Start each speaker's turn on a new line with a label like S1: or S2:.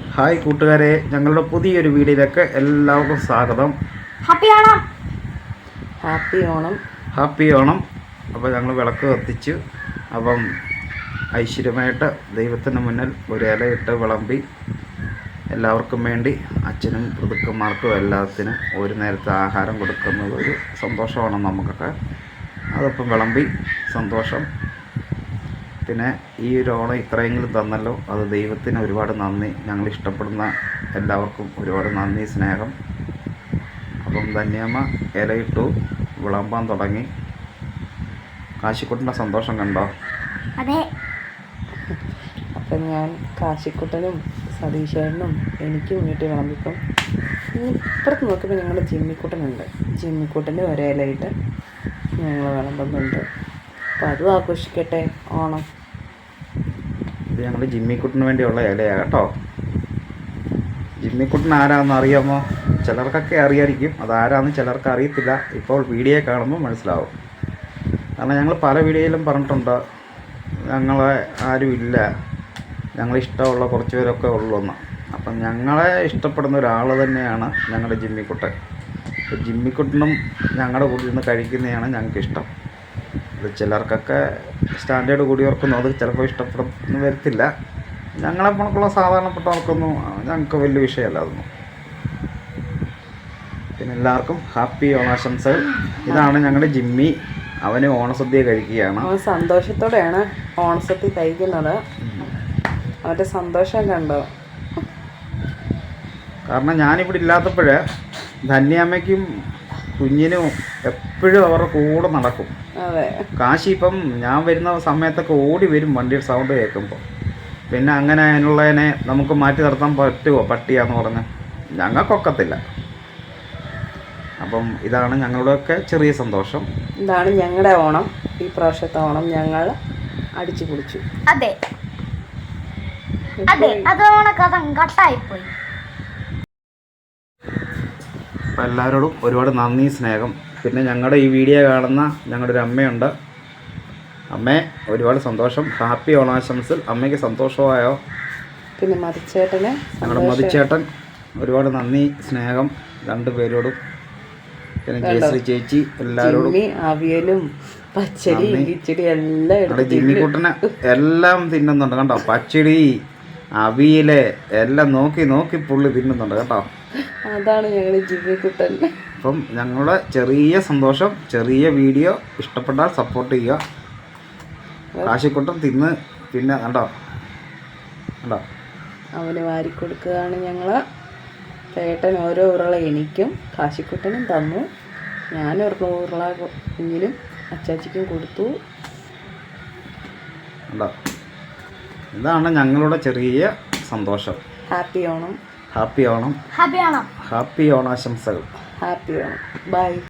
S1: Hi കൂട്ടുകാരെ, ഞങ്ങളുടെ പുതിയൊരു വീഡിയോയിലേക്ക് എല്ലാവർക്കും സ്വാഗതം.
S2: Happy Onam.
S3: Happy Onam.
S1: Happy Onam. അപ്പോൾ ഞങ്ങൾ വിളക്ക് കത്തിച്ചു. അപ്പം ഐശ്വര്യമായിട്ട് ദൈവത്തിന് മുന്നിൽ ഒരു ഇലയിട്ട് വിളമ്പി എല്ലാവർക്കും വേണ്ടി അച്ഛനും പിതൃക്കന്മാർക്കും എല്ലാത്തിനും ഒരു നേരത്തെ ആഹാരം കൊടുക്കുന്നത് ഒരു സന്തോഷമാണ് നമുക്കൊക്കെ. അതിപ്പം വിളമ്പി സന്തോഷം. പിന്നെ ഈ ഒരു ഓണം ഇത്രയെങ്കിലും തന്നല്ലോ, അത് ദൈവത്തിന് ഒരുപാട് നന്ദി. ഞങ്ങൾ ഇഷ്ടപ്പെടുന്ന എല്ലാവർക്കും ഒരുപാട് നന്ദി, സ്നേഹം. അപ്പം ധന്യമ്മ ഇലയിട്ടു, വിളമ്പാൻ തുടങ്ങി. കാശിക്കുട്ടൻ്റെ സന്തോഷം കണ്ടോ?
S2: അതെ.
S3: അപ്പം ഞാൻ കാശിക്കുട്ടനും സതീശേട്ടനും എനിക്കും വീട്ടിൽ വിളമ്പിപ്പം ഇപ്പുറത്ത് നോക്കുമ്പോൾ ഞങ്ങളുടെ ജിമ്മിക്കുട്ടനുണ്ട്. ജിമ്മിക്കുട്ടൻ്റെ ഒരേ ഇലയിട്ട് ഞങ്ങൾ വിളമ്പുന്നുണ്ട്. അപ്പം അതും ആഘോഷിക്കട്ടെ ഓണം.
S1: ഇത് ഞങ്ങൾ ജിമ്മിക്കുട്ടിന് വേണ്ടിയുള്ള ഇലയാണ് കേട്ടോ. ജിമ്മിക്കുട്ടൻ ആരാണെന്ന് അറിയാമോ? ചിലർക്കൊക്കെ അറിയായിരിക്കും, അതാരാന്ന് ചിലർക്ക് അറിയത്തില്ല. ഇപ്പോൾ വീഡിയോ കാണുമ്പോൾ മനസ്സിലാവും. കാരണം ഞങ്ങൾ പല വീഡിയോയിലും പറഞ്ഞിട്ടുണ്ട്, ഞങ്ങളെ ആരും ഇല്ല, ഞങ്ങളിഷ്ടമുള്ള കുറച്ച് പേരൊക്കെ ഉള്ളൂന്ന്. അപ്പം ഞങ്ങളെ ഇഷ്ടപ്പെടുന്ന ഒരാൾ തന്നെയാണ് ഞങ്ങളുടെ ജിമ്മിക്കുട്ടൻ. ജിമ്മിക്കുട്ടനും ഞങ്ങളുടെ കൂടെ ഇരുന്ന് കഴിക്കുന്നതാണ് ഞങ്ങൾക്കിഷ്ടം. അത് ചിലർക്കൊക്കെ സ്റ്റാൻഡേർഡ് കൂടിയവർക്കൊന്നും അത് ചിലപ്പോൾ ഇഷ്ടപ്പെടുന്ന വരത്തില്ല. ഞങ്ങളെപ്പോഴുള്ള സാധാരണപ്പെട്ടവർക്കൊന്നും ഞങ്ങൾക്ക് വലിയ വിഷയമല്ല അതൊന്നും. പിന്നെ എല്ലാവർക്കും ഹാപ്പി ഓണാശംസകൾ. ഇതാണ് ഞങ്ങളുടെ ജിമ്മി. അവന് ഓണസദ്യ കഴിക്കുകയാണ്.
S3: അവൻ സന്തോഷത്തോടെയാണ് ഓണസദ്യ കഴിക്കുന്നത്. അവൻ്റെ സന്തോഷം കണ്ടോ?
S1: കാരണം ഞാനിവിടെ ഇല്ലാത്തപ്പോൾ ധന്യാമ്മയ്ക്കും കുഞ്ഞിനും എപ്പോഴും അവരുടെ കൂടെ നടക്കും.
S3: അതെ.
S1: കാശി ഇപ്പം ഞാൻ വരുന്ന സമയത്തൊക്കെ ഓടി വരും വണ്ടിയുടെ സൗണ്ട് കേൾക്കുമ്പോൾ. പിന്നെ അങ്ങനെ അതിനുള്ളതിനെ നമുക്ക് മാറ്റി നിർത്താൻ പറ്റുമോ? പട്ടിയാന്ന് പറഞ്ഞ് ഞങ്ങൾക്കൊക്കത്തില്ല. അപ്പം ഇതാണ് ഞങ്ങളുടെയൊക്കെ ചെറിയ സന്തോഷം.
S3: ഇതാണ് ഞങ്ങളുടെ ഓണം. ഈ പ്രാവശ്യത്തെ ഓണം ഞങ്ങൾ അടിച്ചു പൊളിച്ചു.
S2: അതെ അതെ, അത് ഓണക്കഥ കട്ടായിപ്പോയി.
S1: അപ്പം എല്ലാവരോടും ഒരുപാട് നന്ദി, സ്നേഹം. പിന്നെ ഞങ്ങളുടെ ഈ വീഡിയോ കാണുന്ന ഞങ്ങളുടെ ഒരു അമ്മയുണ്ട്. അമ്മേ, ഒരുപാട് സന്തോഷം. ഹാപ്പി ഓണാശംസകൾ. അമ്മയ്ക്ക് സന്തോഷമായോ?
S3: പിന്നെ മതിച്ചേട്ടന്,
S1: ഞങ്ങളുടെ മതിച്ചേട്ടൻ, ഒരുപാട് നന്ദി, സ്നേഹം രണ്ടുപേരോടും. പിന്നെ ജയശ്രീ ചേച്ചി, എല്ലാവരോടും
S3: അവിയലും പച്ചടി കിച്ചടി എല്ലാം
S1: ഞങ്ങളുടെ ജിമ്മിക്കുട്ടനെ എല്ലാം തിന്നുന്നുണ്ട് കേട്ടോ. പച്ചടി, അവിയല് എല്ലാം നോക്കി നോക്കി പുള്ളി തിന്നുന്നുണ്ട് കേട്ടോ.
S3: അതാണ് ഞങ്ങളുടെ ജിമ്മിക്കുട്ടൻ.
S1: അപ്പം ഞങ്ങളുടെ ചെറിയ സന്തോഷം, ചെറിയ വീഡിയോ ഇഷ്ടപ്പെട്ടാൽ സപ്പോർട്ട് ചെയ്യുക. കാശിക്കുട്ടൻ തിന്ന് പിന്നെ കണ്ടോ കണ്ടോ
S3: അവന് വാരിക്കൊടുക്കുകയാണ് ഞങ്ങൾ. ചേട്ടൻ ഓരോ ഉരുള എനിക്കും കാശിക്കുട്ടനും തന്നു. ഞാൻ ഉരുള കുഞ്ഞിനും അച്ചാച്ചിക്കും കൊടുത്തു.
S1: കണ്ടോ, ഇതാണ് ഞങ്ങളുടെ ചെറിയ സന്തോഷം.
S3: Happy Onam.
S1: Happy Onam.
S2: Happy Onam.
S1: Happy ഓണാശംസകൾ.
S3: ഹാപ്പി ഓണം. ബൈ.